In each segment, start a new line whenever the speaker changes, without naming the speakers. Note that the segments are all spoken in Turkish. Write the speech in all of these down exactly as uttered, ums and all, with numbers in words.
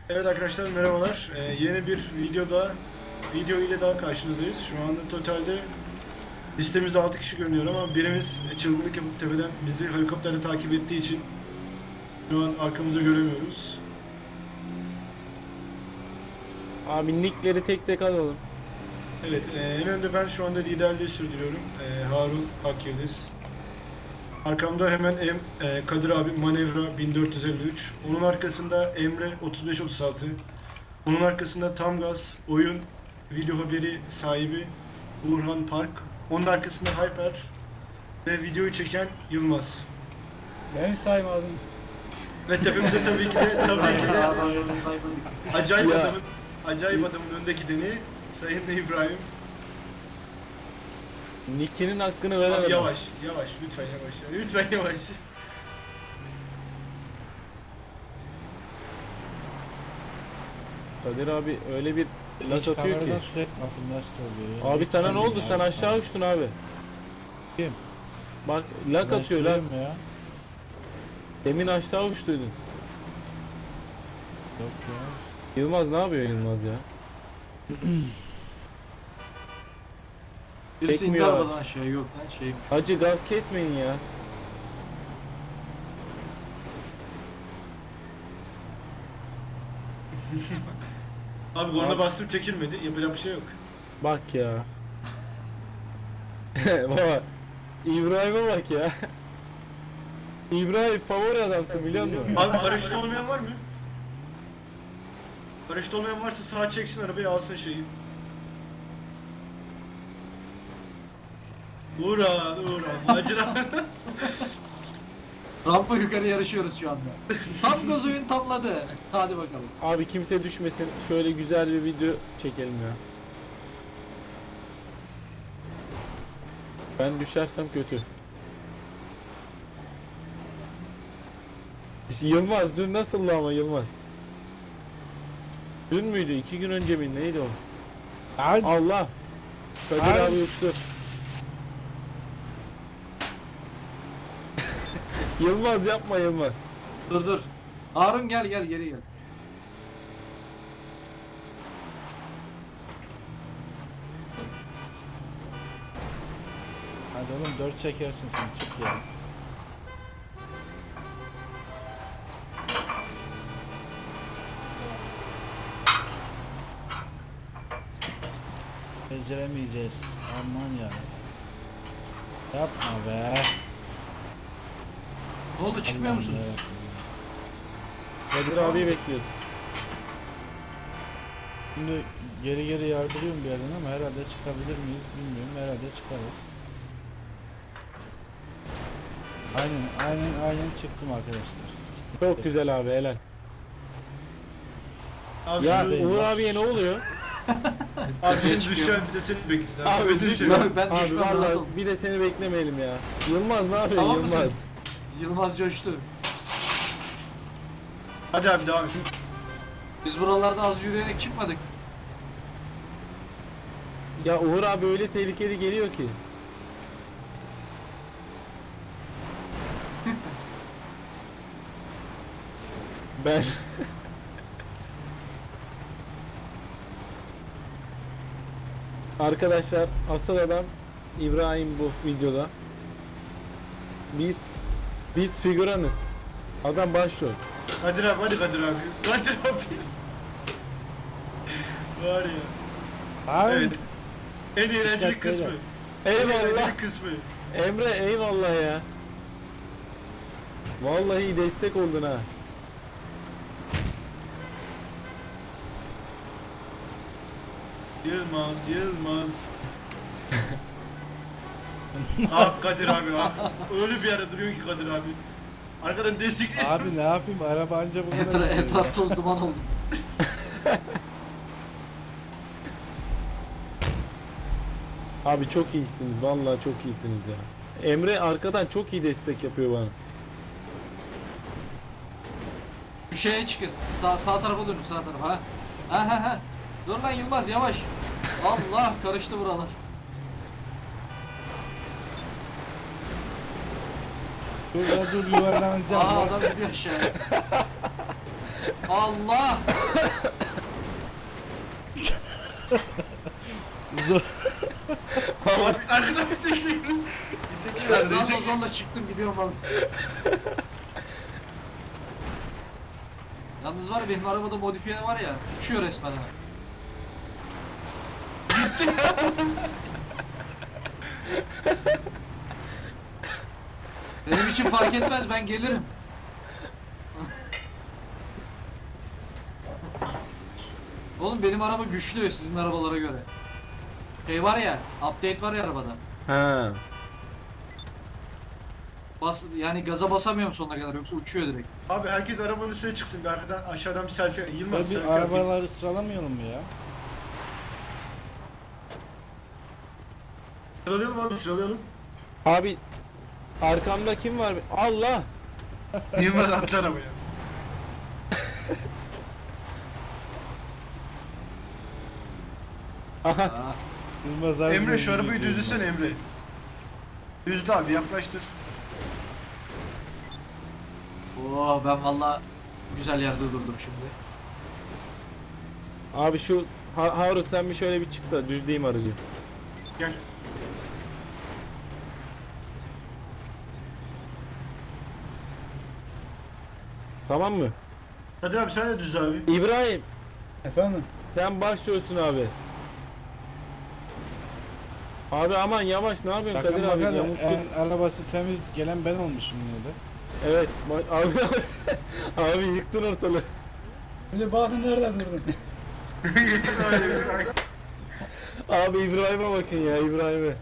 Evet arkadaşlar merhabalar. Ee, yeni bir videoda video ile daha karşınızdayız. Şu anda totalde listemizde altı kişi görünüyor ama birimiz çılgınlık yapıp tepeden bizi helikopterle takip ettiği için şu an arkamızı göremiyoruz.
Abi nickleri tek tek alalım.
Evet, e, en önde ben şu anda liderliği sürdürüyorum. E, Harun Akyıldız. Arkamda hemen em, e, Kadir abi Manevra bin dört yüz elli üç. Onun arkasında Emre otuz beş otuz altı. Onun arkasında Tam Gaz Oyun Video Haberi sahibi Burhan Park. Onun arkasında Hyper ve videoyu çeken Yılmaz.
Beni saymadın.
Ve tepemizde tabii ki de tabii ki de
Adam yerine saysın.
acayip
Ya.
adamın acayip adamın önde gideni Sayın İbrahim.
Nick'inin hakkını
Abi
veremedim.
yavaş, yavaş, lütfen yavaş, lütfen yavaş.
Kadir abi öyle bir lak atıyor ki.
Kameradan sürekli bakın nasıl oluyor.
Abi sana ne oldu? Sen aşağı uçtun abi.
Kim?
Bak lak
Ben
atıyor lak.
sürüyorum ya.
Demin aşağı uçtuydun.
Yok ya.
Yılmaz ne yapıyor Yılmaz ya?
Birisi indi
Çekmiyor.
arabadan aşağı, yok lan şeymiş.
Hacı gaz kesmeyin ya.
Abi korna
Abi.
bastım çekilmedi. Yapacak bir şey yok.
Bak ya. Baba İbrahim'e bak ya. İbrahim favori adamsın biliyor musun?
Abi paraşüt olmayan var mı? Paraşüt olmayan varsa sağa çeksin arabayı alsın şeyi. Uğran, Uğran, macera.
Rampa yukarı yarışıyoruz şu anda. Tam gaz oyun tamladı. Hadi bakalım.
Abi kimse düşmesin. Şöyle güzel bir video çekelim ya. Ben düşersem kötü. Yılmaz dün nasıldı ama Yılmaz? Dün müydü? İki gün önce mi? Neydi o?
Ay,
Allah! Kadir
Ay.
abi uçtu. Yılmaz yapma Yılmaz.
Dur dur. Harun gel gel geri gel.
hadi oğlum dört çekersin sen çık ya. Beceremeyeceğiz. Aman ya. Yapma be.
Ne oldu, çıkmıyor
Allah'ım
musunuz?
yarabbim.
Kadir abiyi bekliyoruz.
Şimdi geri geri yardırıyorum bir yerden ama herhalde çıkabilir miyiz bilmiyorum. Herhalde çıkarız. Aynen aynen aynen çıktım arkadaşlar.
Çok güzel abi helal.
Abi
Ya
şu,
Uğur abiye ne oluyor?
abi
Tepeye
şimdi
çıkıyor.
düşen bir de seni bekletin abi.
Abi
Özür
düşme.
dilerim.
Yok, ben
Abi
düşmem, rahat
vallahi
ol.
bir de seni beklemeyelim ya. Yılmaz ne yapıyor
Tamam
Yılmaz?
mısınız? Yılmaz coştu.
Hadi abi devam et.
Biz buralarda az yürüyerek çıkmadık.
Ya Uğur abi öyle tehlikeli geliyor ki. Ben Arkadaşlar asıl adam İbrahim bu videoda. Biz biz figüranız. Adam başrol.
Kadir abi hadi Kadir abi. Kadir abi. Var ya.
Abi
Evet. En eğlenceli
Dikkat
kısmı.
beyler.
En
Eyvallah.
eğlenceli kısmı.
Emre eyvallah ya. Vallahi destek oldun ha.
Yılmaz, Yılmaz. Ah Kadir abi ah. Öyle bir yerde duruyor ki Kadir abi. Arkadan destekliyor.
abi ne yapayım araba anca bu kadar.
Etra
gidiyor ya.
etraf toz duman oldu.
Abi çok iyisiniz. Vallahi çok iyisiniz ya. Emre arkadan çok iyi destek yapıyor bana.
Şu şeye çıkın. Sağ, sağ tarafa dönün, sağ tarafa. Ha ha ha. ha. Dur lan Yılmaz, yavaş. Allah, karıştı buralar.
Dur ya dur yuvarlanacağım.
Aa,
bak.
adam gidiyor aşağıya. Allah!
Zor.
Arkadan bir tekli. Bir tekli
Ben
ver.
zorla zorla çıktım gidiyorum vallahi. Yalnız var ya benim arabada modifiye var ya uçuyor resmen ha. Benim için fark etmez ben gelirim. Oğlum benim araba güçlü sizin arabalara göre. Şey var ya, update var ya arabada.
Ha.
Bas, yani gaza basamıyorum sonuna kadar yoksa uçuyor direkt.
Abi herkes arabanın üstüne çıksın. Bir arkadan aşağıdan bir selfie. Yılmaz
Bir
selfie yap.
arabaları sıralamayalım mı ya?
Sıralayalım abi sıralayalım.
Abi arkamda kim var? Allah!
Yılmaz atla arabaya.
Aha.
Aa,
Yılmaz abi
Emre şu
de
arabayı
gidiyor.
düzlesene Emre. Düzle abi yaklaştır.
oh ben valla güzel yerde durdum şimdi.
Abi şu ha Harun sen bir şöyle bir çık da düzleyeyim aracı.
Gel.
Tamam mı?
Kadir abi sen de düz abi.
İbrahim
Efendim?
sen başlıyorsun abi. Abi aman yavaş ne yapıyorsun
Bakın
Kadir abi?
bakalım,
Yamulttun.
en arabası temiz gelen ben olmuşum yine de.
Evet ba- abi abi yıktın ortalığı.
Bir de bakın nerede durdun?
Abi İbrahim'e bakın ya İbrahim'e.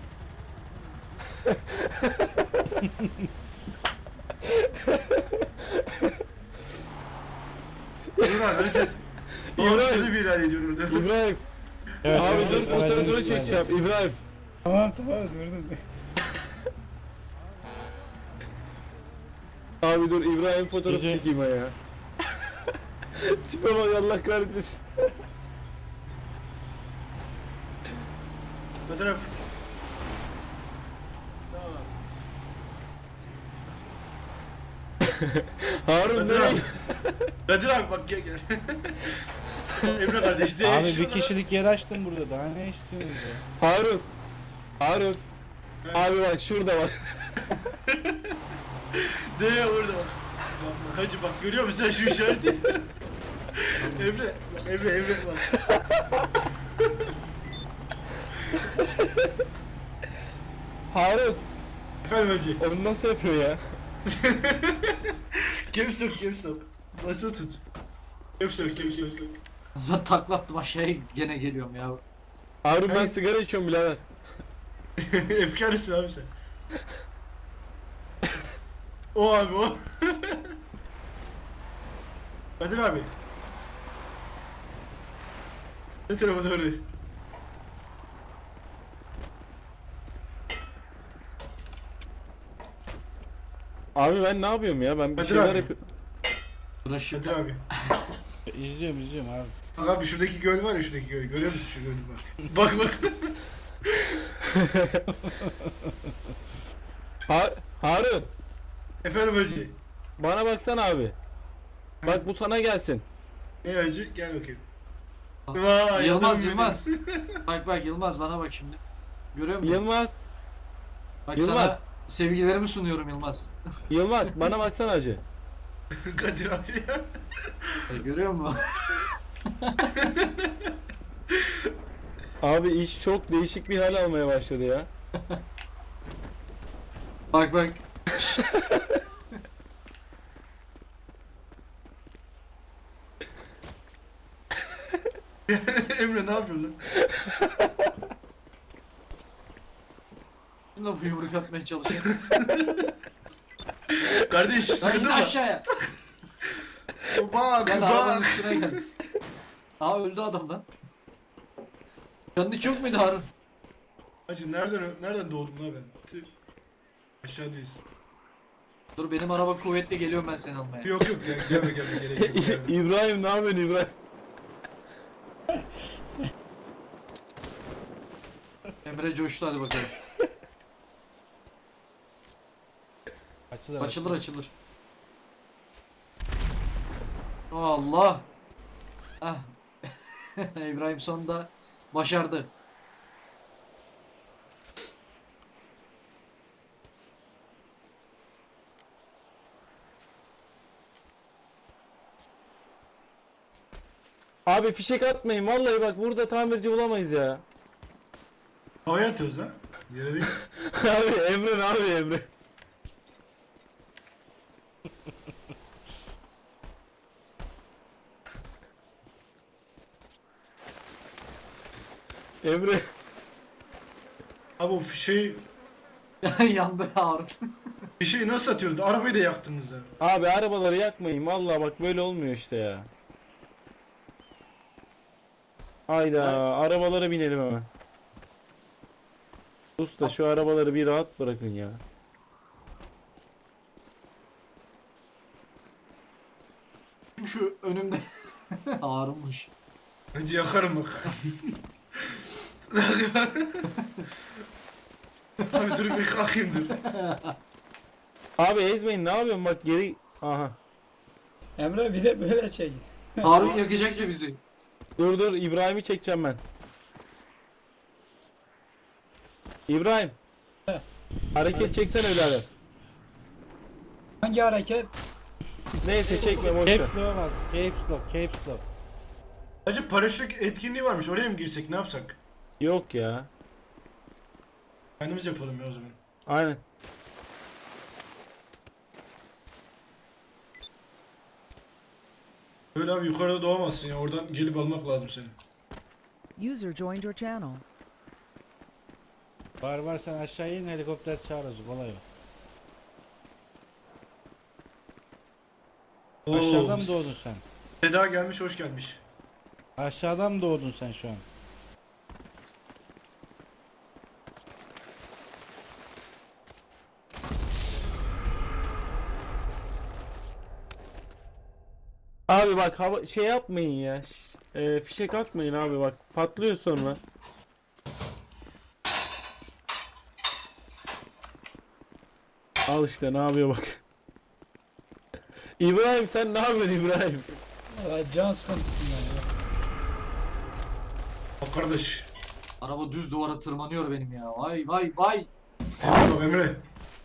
Dur abi önce. Doğru
İbrahim.
sözü bir ilan ediyorum orada.
İbrahim
Evet,
abi
evet,
dur
evet,
fotoğrafını
evet,
çekeceğim
evet.
İbrahim.
Tamam tamam durdun.
Abi dur İbrahim fotoğraf
Gece-
çekeyim ha ya. Tipe bak Allah kahretmesin.
Kadir abi.
Harun
Kadir
nereye?
abi. Kadir abi bak gel gel. Emre kardeş de.
Abi bir kişilik yer açtım burada, daha ne istiyorsunuz ya?
Harun. Harun. Abi bak şurada bak.
De orada bak. Bak, Hacı bak görüyor musun sen şu işareti? Emre, bak Emre Emre bak.
Harun.
Efendim Hacı.
Onu nasıl yapıyor ya?
Caps yok caps yok. Basılı tut. Caps yok caps yok.
Ben taklattım aşağıya gene geliyorum ya.
Harun ben
Hayır.
sigara içiyorum birader.
Efkarısın abi sen. O abi o. Kadir abi. Ne tarafa doğru?
Abi ben ne yapıyorum ya? Ben bir
Kadir
şeyler
abi.
yapıyorum.
Uğraşıp
Kadir abi.
İzliyorum izliyorum abi.
Bak abi şuradaki göl var ya şuradaki göl. Görüyor musun şu gölü bak. Bak bak.
Ha Harun.
Efendim Hacı.
Bana baksana abi. Bak bu sana gelsin.
Ne Hacı? Gel bakayım. Vay,
Yılmaz
adamım
Yılmaz.
benim.
Bak bak Yılmaz bana bak şimdi. Görüyor musun?
Yılmaz.
Bak
Yılmaz.
sana sevgilerimi sunuyorum Yılmaz.
Yılmaz bana baksana hacı.
Kadir abi ya.
E, görüyor musun?
Abi iş çok değişik bir hal almaya başladı ya.
Bak bak.
Emre ne yapıyorsun lan?
Şimdi bu yumruk atmaya çalışıyor.
Kardeş
Lan
sıkıldın
in
mı?
aşağıya.
Bak
Gel arabanın
bak.
üstüne gel. Aa öldü adam lan. Canı çok muydu Harun?
Hacı nereden nereden doğdum lan ben? Tüh. Aşağıdayız.
Dur benim araba kuvvetli geliyorum ben seni almaya.
Yok yok gel, gelme gelme gerek yok. gelme.
İbrahim ne yapıyorsun İbrahim?
Emre coştu hadi bakalım.
Açılır
Açılır açılır. Allah. Ah. İbrahim sonunda başardı.
Abi fişek atmayın vallahi bak burada tamirci bulamayız ya.
Havaya atıyoruz ha. Yere değil.
Abi Emre ne abi Emre? Emre
Abi o fişeği,
Yandı Harun.
fişeği nasıl atıyordu? Arabayı da yaktınız ya.
abi arabaları yakmayın vallahi bak böyle olmuyor işte ya. Hayda arabalara binelim hemen. Usta şu arabaları bir rahat bırakın ya.
Şu önümde Harun'muş.
Hacı yakarım bak. Abi dur bir kalkayım dur.
Abi ezmeyin ne yapıyorsun bak geri. Aha.
Emre bir de böyle çek.
Harun yakacak ya bizi.
Dur dur İbrahim'i çekeceğim ben. İbrahim. Hareket çeksene birader.
Hangi hareket?
Neyse çekme boş ver.
Caps lock'a bas. Caps lock. Caps lock.
Hacı paraşüt etkinliği varmış. Oraya mı girsek? Ne yapsak?
Yok ya.
Kendimiz yapalım ya o zaman.
Aynen.
Böyle abi yukarıda doğamazsın ya. Oradan gelip almak lazım seni.
User joined your channel.
Var var sen aşağı in helikopter çağırırız. Kolay o.
Oo,
Aşağıdan mı doğdun sen?
Seda gelmiş, hoş gelmiş.
Aşağıdan mı doğdun sen şu an?
Abi bak hava şey yapmayın ya. Ş- e, fişek atmayın abi bak patlıyor sonra. Al işte ne yapıyor bak. İbrahim sen ne yapıyorsun İbrahim?
Valla can sıkıntısından ya.
Bak kardeş.
Araba düz duvara tırmanıyor benim ya. Vay vay vay.
Emre bak Emre.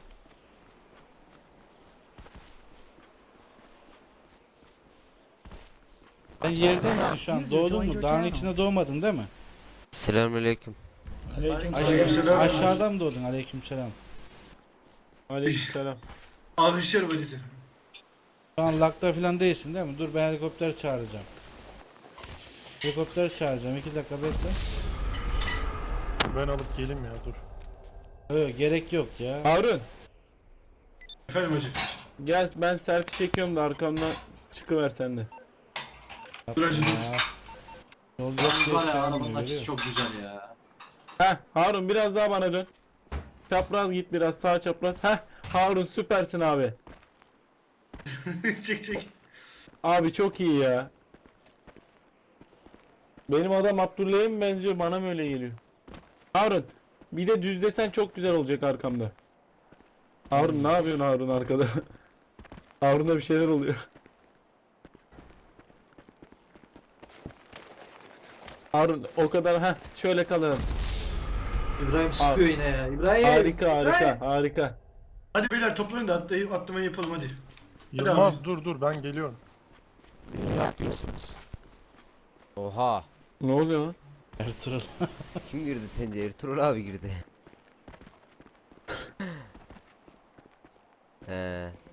Sen yerde misin şu an?
User
Doğdun
joined
mu?
your
Dağın
channel.
içinde doğmadın değil mi?
Selamünaleyküm.
Aleyküm
Aleykümselam.
selam.
Aşağıdan mı doğdun? Aleykümselam.
Aleykümselam.
Alkışlar valisi.
Şu an lakta falan değilsin değil mi? Dur ben helikopter çağıracağım. Helikopter çağıracağım. iki dakika bekle.
Ben alıp geleyim ya dur.
Yok gerek yok ya.
Harun
Efendim hacı.
gel ben selfie çekiyorum da arkamdan çıkıver sen de.
Dur hacı dur.
Ya. Yol yok
Yalnız
diye
var ya
çağırmıyor,
arabanın açısı
görüyor
çok güzel ya.
Heh Harun biraz daha bana dön. Çapraz git biraz sağ çapraz. Heh Harun süpersin abi.
Çek çek.
Abi çok iyi ya. Benim adam Abdullah'a mı benziyor bana mı öyle geliyor? Harun bir de düzlesen çok güzel olacak arkamda. Harun ne yapıyorsun Harun arkada? Harun'da bir şeyler oluyor. Harun o kadar ha şöyle kalalım.
İbrahim sıkıyor yine ya. İbrahim.
Harika harika
İbrahim.
harika.
Hadi beyler toplanın da atlayıp atlamayı yapalım hadi.
Yılmaz
abi.
dur dur ben geliyorum.
Oha.
Ne oluyor lan?
Ertuğrul.
Kim girdi sence? Ertuğrul abi girdi. He.